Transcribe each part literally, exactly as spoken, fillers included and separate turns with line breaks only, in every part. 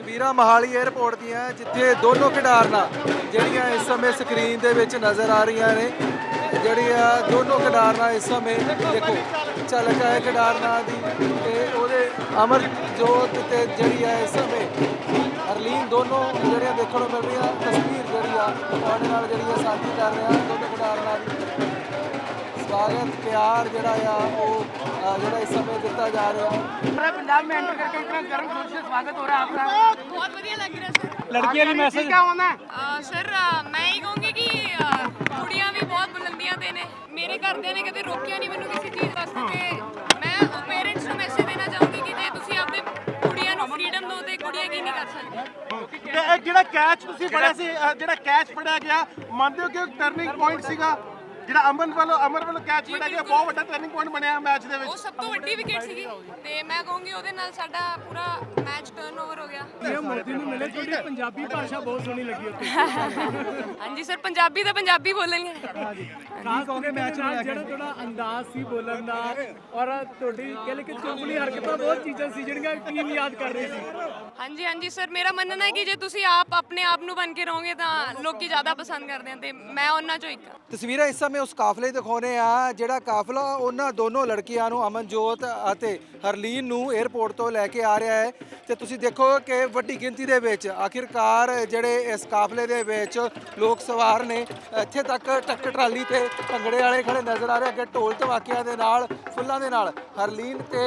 ਤਸਵੀਰਾਂ ਮੋਹਾਲੀ 에ਅਰਪੋਰਟ ਦੀਆਂ ਜਿੱਥੇ ਦੋਨੋਂ ਖਿਡਾਰਨਾਂ ਜਿਹੜੀਆਂ ਇਸ ਸਮੇਂ ਸਕਰੀਨ ਦੇ ਵਿੱਚ ਨਜ਼ਰ ਆ ਰਹੀਆਂ ਨੇ ਜਿਹੜੀਆਂ ਦੋਨੋਂ ਖਿਡਾਰਨਾਂ ਇਸ ਸਮੇਂ ਦੇਖੋ ਝਲਕ ਹੈ ਖਿਡਾਰਨਾਂ ਦੀ ਤੇ ਉਹਦੇ ਅਮਰਜੋਤ ਤੇ ਜਿਹੜੀ ਹੈ ਇਸ ਸਮੇਂ ਹਰਲੀਨ ਦੋਨੋਂ ਜਿਹੜੀਆਂ ਦੇਖਣ ਨੂੰ ਮਿਲ ਰਹੀਆਂ ਤਸਵੀਰ ਜਿਹੜੀ ਆ ਤੁਹਾਡੇ ਨਾਲ ਜਿਹੜੀ ਆ ਸਾਂਝੀ ਕਰ ਰਿਹਾ ਦੋਨੋਂ ਖਿਡਾਰਨਾਂ ਦੀ स्वागत प्यार जड़ा वो जड़ा इस समय दिता जा रहा है।
पंजाब में एंटर करके इतना गर्म जोश से स्वागत हो रहा है आपका।
बहुत बढ़िया लग रहा है सर।
लड़कियां भी मैसेज क्या होना है
सर मैं ही कहूँगी कि कुड़ियाँ भी बहुत बुलंदियां दे ने मेरे घरदिਆਂ ਨੇ कदे रोकिया नहीं मैनू किसी चीज़ वास्ते ते मैं पेरेंट्स ਨੂੰ मैसेज देना चाहूँगी कि जे ਤੁਸੀਂ ਆਪਣੇ ਕੁੜੀਆਂ ਨੂੰ ਫਰੀडम ਦਿਓ ਤੇ ਕੁੜੀਆਂ ਕੀ ਨਹੀਂ ਕਰ ਸਕਦੀਆਂ।
ਤੇ ਇਹ ਜਿਹੜਾ ਕੈਚ ਤੁਸੀਂ ਫੜਿਆ ਸੀ ਅ, ਜਿਹੜਾ ਕੈਚ ਫੜਿਆ ਗਿਆ ਮੰਨਦੇ ਹੋ ਕਿ ਟਰਨਿੰਗ ਪੁਆਇੰਟ ਸੀਗਾ ਜਿਹੜਾ ਅਮਨ ਵੱਲੋਂ ਅਮਰ ਵੱਲੋਂ ਕੈਚ ਫੜਿਆ ਗਿਆ ਬਹੁਤ ਵੱਡਾ ਟਰਨਿੰਗ ਪੁਆਇੰਟ ਬਣਿਆ ਮੈਚ ਦੇ
ਉਹ
ਵਿੱਚ।
ਸਭ ਤੋਂ ਵੱਡੀ ਵਿਕਟ ਸੀਗੀ ਤੇ ਮੈਂ ਕਹੂੰਗੀ ਉਹਦੇ ਨਾਲ ਸਾਡਾ ਪੂਰਾ ਮੈਚ ਟਰਨਓਵਰ ਹੋ ਗਿਆ।
ਇਹ ਮੋਦੀ ਨੂੰ ਮਿਲੇ ਤੁਹਾਡੀ ਪੰਜਾਬੀ ਭਾਸ਼ਾ ਬਹੁਤ ਸੋਹਣੀ ਲੱਗੀ ਉੱਥੇ।
ਹਾਂਜੀ ਸਰ ਪੰਜਾਬੀ ਤਾਂ ਪੰਜਾਬੀ ਬੋਲਣਗੇ।
ਖਾਸ ਕਰਕੇ ਮੈਚ ਨਾਲ ਜਿਹੜਾ ਤੁਹਾਡਾ ਅੰਦਾਜ਼ ਸੀ ਬੋਲਣ ਦਾ ਔਰ ਤੁਹਾਡੀ ਕਹਿ ਲਈ ਕਿ ਚੁੰਬਲੀ ਹਰਕਤਾਂ ਬਹੁਤ ਚੀਜ਼ਾਂ ਸੀ ਜਿਹੜੀਆਂ ਟੀਮ ਯਾਦ ਕਰ ਰਹੀ ਸੀ।
ਹਾਂਜੀ ਹਾਂਜੀ ਸਰ ਮੇਰਾ ਮੰਨਣਾ ਹੈ ਕਿ ਜੇ ਤੁਸੀਂ ਆਪ ਆਪਣੇ ਆਪ ਨੂੰ ਬਣ ਕੇ ਰਹੋਗੇ ਤਾਂ ਲੋਕੀ ਜ਼ਿਆਦਾ ਪਸੰਦ ਕਰਦੇ ਆ ਤੇ ਮੈਂ ਉਹਨਾਂ ਚੋਂ ਇੱਕ ਹਾਂ।
ਤਸਵੀਰਾਂ ਇਸ ਸਮੇਂ ਉਸ ਕਾਫਲੇ ਦਿਖਾਉਣੇ ਆ ਜਿਹੜਾ ਕਾਫਲਾ ਉਹਨਾਂ ਦੋਨੋਂ ਲੜਕੀਆਂ ਨੂੰ ਅਮਨਜੋਤ ਅਤੇ ਹਰਲੀਨ ਨੂੰ 에ਅਰਪੋਰਟ ਤੋਂ ਲੈ ਕੇ ਆ ਰਿਹਾ ਹੈ ਤੇ ਤੁਸੀਂ ਦੇਖੋ ਕਿ ਵੱਡੀ ਗਿਣਤੀ ਦੇ ਵਿੱਚ ਆਖਿਰਕਾਰ ਜਿਹੜੇ ਇਸ ਕਾਫਲੇ ਦੇ ਵਿੱਚ ਲੋਕ ਸਵਾਰ ਨੇ ਇੱਥੇ ਤੱਕ ਟਰੱਕ ਟਰਾਲੀ ਤੇ ਭੰਗੜੇ ਵਾਲੇ ਖੜੇ ਨਜ਼ਰ ਆ ਰਹੇ ਅੱਗੇ ਢੋਲ ਧਮਾਕਿਆਂ ਦੇ ਨਾਲ ਫੁੱਲਾਂ ਦੇ ਨਾਲ ਹਰਲੀਨ ਤੇ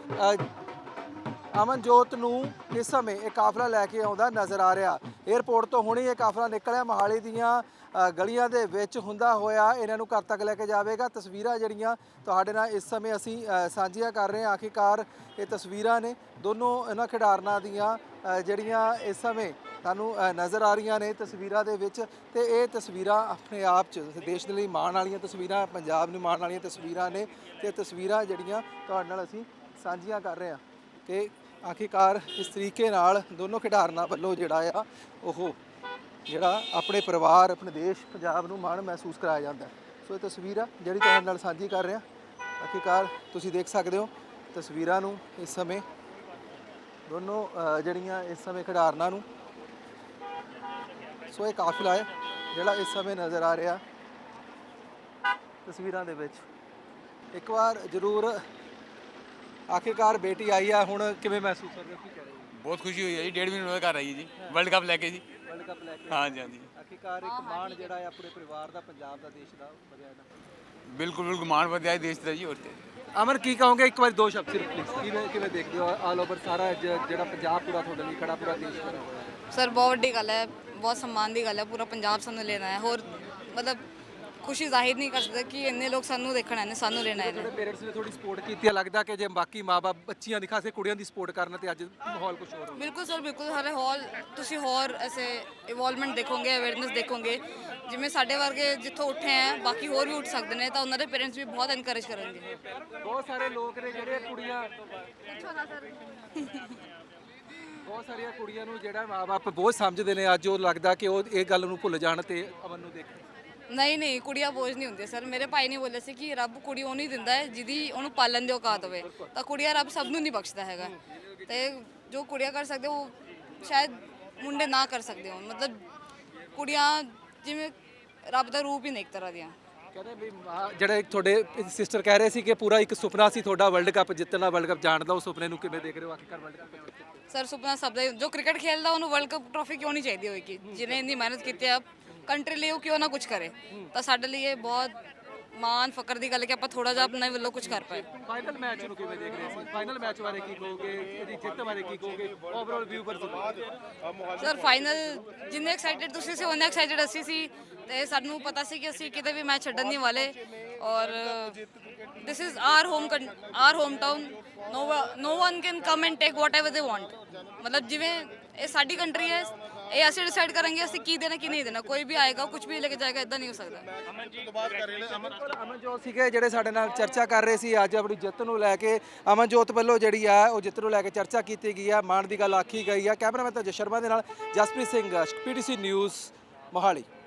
ਅਮਨਜੋਤ ਨੂੰ ਇਸ ਸਮੇਂ ਇਹ ਕਾਫਲਾ ਲੈ ਕੇ ਆਉਂਦਾ ਨਜ਼ਰ ਆ ਰਿਹਾ। 에ਅਰਪੋਰਟ ਤੋਂ ਹੁਣੇ ਇਹ ਕਾਫਲਾ ਨਿਕਲਿਆ ਮੋਹਾਲੀ ਦੀਆਂ ਗਲੀਆਂ ਦੇ ਵਿੱਚ ਹੁੰਦਾ ਹੋਇਆ ਇਹਨਾਂ ਨੂੰ ਘਰ ਤੱਕ ਲੈ ਕੇ ਜਾਵੇਗਾ। ਤਸਵੀਰਾਂ ਜਿਹੜੀਆਂ ਤੁਹਾਡੇ ਨਾਲ ਇਸ ਸਮੇਂ ਅਸੀਂ ਸਾਂਝੀਆਂ ਕਰ ਰਹੇ ਹਾਂ ਆਖਿਰਕਾਰ ਇਹ ਤਸਵੀਰਾਂ ਨੇ ਦੋਨੋਂ ਇਹਨਾਂ ਖਿਡਾਰਨਾਂ ਦੀਆਂ ਜਿਹੜੀਆਂ ਇਸ ਸਮੇਂ ਤੁਹਾਨੂੰ ਨਜ਼ਰ ਆ ਰਹੀਆਂ ਨੇ ਤਸਵੀਰਾਂ ਦੇ ਵਿੱਚ ਤੇ ਇਹ ਤਸਵੀਰਾਂ ਆਪਣੇ ਆਪ 'ਚ ਦੇਸ਼ ਦੇ ਲਈ ਮਾਣ ਵਾਲੀਆਂ ਤਸਵੀਰਾਂ ਪੰਜਾਬ ਨੂੰ ਮਾਣ ਵਾਲੀਆਂ ਤਸਵੀਰਾਂ ਨੇ ਤੇ ਤਸਵੀਰਾਂ ਜਿਹੜੀਆਂ ਤੁਹਾਡੇ ਨਾਲ ਅਸੀਂ ਸਾਂਝੀਆਂ ਕਰ ਰਹੇ ਹਾਂ ਕਿ ਆਖਿਰਕਾਰ ਇਸ ਤਰੀਕੇ ਨਾਲ ਦੋਨੋਂ ਖਿਡਾਰਨਾਂ ਵੱਲੋਂ ਜਿਹੜਾ ਆ ਉਹ ਜਿਹੜਾ ਆਪਣੇ ਪਰਿਵਾਰ ਆਪਣੇ ਦੇਸ਼ ਪੰਜਾਬ ਨੂੰ ਮਾਣ ਮਹਿਸੂਸ ਕਰਾਇਆ ਜਾਂਦਾ ਸੋ ਇਹ ਤਸਵੀਰ ਆ ਜਿਹੜੀ ਤੁਹਾਡੇ ਨਾਲ ਸਾਂਝੀ ਕਰ ਰਿਹਾ ਆਖਿਰਕਾਰ ਤੁਸੀਂ ਦੇਖ ਸਕਦੇ ਹੋ ਤਸਵੀਰਾਂ ਨੂੰ ਇਸ ਸਮੇਂ ਦੋਨੋਂ ਜਿਹੜੀਆਂ ਇਸ ਸਮੇਂ ਖਿਡਾਰਨਾਂ ਨੂੰ ਸੋ ਇਹ ਕਾਫਿਲਾ ਹੈ ਜਿਹੜਾ ਇਸ ਸਮੇਂ ਨਜ਼ਰ ਆ ਰਿਹਾ ਤਸਵੀਰਾਂ ਦੇ ਵਿੱਚ ਇੱਕ ਵਾਰ ਜ਼ਰੂਰ ਆਖਿਰਕਾਰ ਬੇਟੀ ਆਈ ਆ ਹੁਣ ਕਿਵੇਂ ਮਹਿਸੂਸ ਕਰ ਰਹੇ ਹੋ ਕੀ ਕਹਿ ਰਹੇ ਹੋ?
ਬਹੁਤ ਖੁਸ਼ੀ ਹੋਈ ਹੈ ਜੀ ਡੇਢ ਮਹੀਨੇ ਬਾਅਦ ਘਰ ਆਈ ਜੀ ਵਰਲਡ ਕੱਪ ਲੈ ਕੇ ਜੀ
ਵਰਲਡ ਕੱਪ ਲੈ ਕੇ
ਹਾਂਜੀ ਹਾਂਜੀ
ਆਖਿਰਕਾਰ ਇੱਕ ਮਾਣ ਜਿਹੜਾ ਹੈ ਆਪਣੇ ਪਰਿਵਾਰ ਦਾ ਪੰਜਾਬ ਦਾ ਦੇਸ਼ ਦਾ ਵਧਿਆ ਦਾ
ਬਿਲਕੁਲ ਬਿਲਕੁਲ ਮਾਣ ਵਧਿਆ ਦੇਸ਼ ਦਾ ਜੀ ਹੋਰ ਤੇ
ਅਮਰ ਕੀ ਕਹੋਗੇ ਇੱਕ ਵਾਰੀ ਦੋ ਸ਼ਬਦ ਸਿਰਫ ਪਲੀਜ਼ ਕਿਵੇਂ ਕਿਵੇਂ ਦੇਖਦੇ ਹੋ ਆਲ ਓਵਰ ਸਾਰਾ ਜ- ਜਿਹੜਾ ਪੰਜਾਬ ਪੂਰਾ ਤੁਹਾਡੇ ਲਈ ਖੜਾ ਪੂਰਾ ਦੇਸ਼ ਖੜਾ ਹੋਇਆ ਹੈ
ਸਰ ਬਹੁਤ ਵੱਡੀ ਗੱਲ ਹੈ ਬਹੁਤ ਸਨਮਾਨ ਦੀ ਗੱਲ ਹੈ ਪੂਰਾ ਪੰਜਾਬ ਸਾਨੂੰ ਲੈਣਾ ਹੈ ਹੋਰ ਮਤਲਬ ਖੁਸ਼ੀ ਜ਼ਾਹਿਰ ਨਹੀਂ ਕਰ ਸਕਦੇ ਕਿ ਇੰਨੇ ਲੋਕ ਸਾਨੂੰ ਦੇਖਣ ਆਏ ਨੇ ਸਾਨੂੰ ਲੈਣਾ ਹੈ
ਤੁਹਾਡੇ ਪੇਰੈਂਟਸ ਨੇ ਥੋੜੀ ਸਪੋਰਟ ਕੀਤੀ ਹੈ ਲੱਗਦਾ ਕਿ ਜੇ ਬਾਕੀ ਮਾਪੇ ਬੱਚੀਆਂ ਦੀ ਖਾਸੇ ਕੁੜੀਆਂ ਦੀ ਸਪੋਰਟ ਕਰਨ ਤੇ ਅੱਜ ਮਾਹੌਲ ਕੁਝ ਹੋਰ ਹੋ
ਬਿਲਕੁਲ ਸਰ ਬਿਲਕੁਲ ਸਾਰੇ ਹਾਲ ਤੁਸੀਂ ਹੋਰ ਐਸੇ ਇਵੋਲਵਮੈਂਟ ਦੇਖੋਗੇ ਅਵੇਅਰਨੈਸ ਦੇਖੋਗੇ ਜਿਵੇਂ ਸਾਡੇ ਵਰਗੇ ਜਿੱਥੋਂ ਉੱਠੇ ਹੈ ਬਾਕੀ ਹੋਰ ਵੀ ਉੱਠ ਸਕਦੇ ਨੇ ਤਾਂ ਉਹਨਾਂ ਦੇ ਪੇਰੈਂਟਸ ਵੀ ਬਹੁਤ ਐਨਕਰੇਜ ਕਰਨਗੇ
ਬਹੁਤ ਸਾਰੇ ਲੋਕ ਨੇ ਜਿਹੜੇ ਕੁੜੀਆਂ ਬਹੁਤ ਸਾਰੀਆਂ ਕੁੜੀਆਂ ਨੂੰ ਜਿਹੜਾ ਮਾਪੇ ਬਹੁਤ ਸਮਝਦੇ ਨੇ ਅੱਜ ਉਹ ਲੱਗਦਾ ਕਿ ਉਹ ਇਹ ਗੱਲ ਨੂੰ ਭੁੱਲ ਜਾਣ ਤੇ ਅਮਨ ਨੂੰ ਦੇਖਣ
ਨਹੀਂ ਨਹੀਂ ਕੁੜੀਆਂ ਬੋਝ ਨਹੀਂ ਹੁੰਦੀਆਂ ਸਰ ਮੇਰੇ ਭਾਈ ਨੇ ਬੋਲਿਆ ਸੀ ਕਿ ਰੱਬ ਕੁੜੀ ਉਹ ਨਹੀਂ ਦਿੰਦਾ ਹੈ ਜਿਹਦੀ ਉਹਨੂੰ ਪਾਲਣ ਦੀ ਔਕਾਤ ਹੋਵੇ ਤਾਂ ਕੁੜੀਆਂ ਰੱਬ ਸਭ ਨੂੰ ਨਹੀਂ ਬਖਸ਼ਦਾ ਹੈਗਾ ਤੇ ਜੋ ਕੁੜੀਆਂ ਕਰ ਸਕਦੇ ਉਹ ਸ਼ਾਇਦ ਮੁੰਡੇ ਨਾ ਕਰ ਸਕਦੇ ਹੋਣ ਮਤਲਬ ਕੁੜੀਆਂ ਜਿਵੇਂ ਰੱਬ ਦਾ ਰੂਪ ਹੀ ਨੇ ਇੱਕ ਤਰ੍ਹਾਂ ਦੀਆਂ
ਕਹਿੰਦੇ ਵੀ ਜਿਹੜਾ ਇੱਕ ਤੁਹਾਡੇ ਸਿਸਟਰ ਕਹਿ ਰਹੇ ਸੀ ਕਿ ਪੂਰਾ ਇੱਕ ਸੁਪਨਾ ਸੀ ਤੁਹਾਡਾ ਵਰਲਡ ਕੱਪ ਜਿੱਤਣਾ ਵਰਲਡ ਕੱਪ ਜਾਣ ਦਾ ਉਹ ਸੁਪਨੇ ਨੂੰ ਕਿਵੇਂ ਦੇਖ ਰਹੇ ਹੋ ਆਖਿਰਕਾਰ ਵਰਲਡ ਕੱਪ
ਸਰ ਸੁਪਨਾ ਸਭ ਦਾ ਜੋ ਕ੍ਰਿਕਟ ਖੇਡਦਾ ਉਹਨੂੰ ਵਰਲਡ ਕੱਪ ਟਰੋਫੀ ਕਿਉਂ ਨਹੀਂ ਚਾਹੀਦੀ ਹੋਏਗੀ ਜਿਹਨੇ ਇੰਨੀ ਮਿਹਨਤ ਕੀਤੀ ਹੈ ਕੰਟਰੀ ਲਈ ਉਹ ਕਿਉਂ ਨਾ ਕੁਝ ਕਰੇ ਤਾਂ ਸਾਡੇ ਲਈ ਇਹ ਬਹੁਤ ਮਾਣ ਫਕਰ ਦੀ ਗੱਲ ਹੈ ਕਿ ਆਪਾਂ ਥੋੜਾ ਜਿਹਾ ਆਪਣੇ ਵੱਲੋਂ ਕੁਝ ਕਰ ਪਾਏ
ਫਾਈਨਲ ਮੈਚ ਨੂੰ ਕਿਵੇਂ ਦੇਖ ਰਹੇ ਸੀ ਫਾਈਨਲ ਮੈਚ ਬਾਰੇ ਕੀ ਕਹੋਗੇ ਇਹਦੀ ਜਿੱਤ ਬਾਰੇ ਕੀ ਕਹੋਗੇ ਓਵਰਆਲ ਵਿਊ ਪਰ
ਸਰ ਫਾਈਨਲ ਜਿੰਨੇ ਐਕਸਾਈਟਡ ਤੁਸੀਂ ਸੀ ਉਹਨੇ ਐਕਸਾਈਟਡ ਅਸੀਂ ਸੀ ਤੇ ਸਾਨੂੰ ਪਤਾ ਸੀ ਕਿ ਅਸੀਂ ਕਿਤੇ ਵੀ ਮੈਚ ਛੱਡਣ ਨਹੀਂ ਵਾਲੇ ਔਰ this is our home our home town no no one can come and take whatever they want ਮਤਲਬ ਜਿਵੇਂ ਇਹ ਸਾਡੀ ਕੰਟਰੀ ਹੈ ਇਹ ਅਸੀਂ ਡਿਸਾਈਡ ਕਰਾਂਗੇ ਅਸੀਂ ਕੀ ਦੇਣਾ ਕੀ ਨਹੀਂ ਦੇਣਾ ਕੋਈ ਵੀ ਆਏਗਾ ਕੁਝ ਵੀ ਲੈ ਕੇ ਜਾਏਗਾ ਇਦਾਂ ਨਹੀਂ ਹੋ ਸਕਦਾ
ਅਮਨਜੋਤ ਸੀਗੇ ਜਿਹੜੇ ਸਾਡੇ ਨਾਲ ਚਰਚਾ ਕਰ ਰਹੇ ਸੀ ਅੱਜ ਆਪਣੀ ਜਿੱਤ ਨੂੰ ਲੈ ਕੇ ਅਮਨਜੋਤ ਵੱਲੋਂ ਜਿਹੜੀ ਆ ਉਹ ਜਿੱਤ ਨੂੰ ਲੈ ਕੇ ਚਰਚਾ ਕੀਤੀ ਗਈ ਆ ਮਾਣ ਦੀ ਗੱਲ ਆਖੀ ਗਈ ਆ ਕੈਮਰਾਮੈਨ ਤਾਂ ਜਸ਼ਨ ਸ਼ਰਮਾ ਦੇ ਨਾਲ ਜਸਪ੍ਰੀਤ ਸਿੰਘ ਪੀਟੀਸੀ ਨਿਊਜ਼ ਮੋਹਾਲੀ।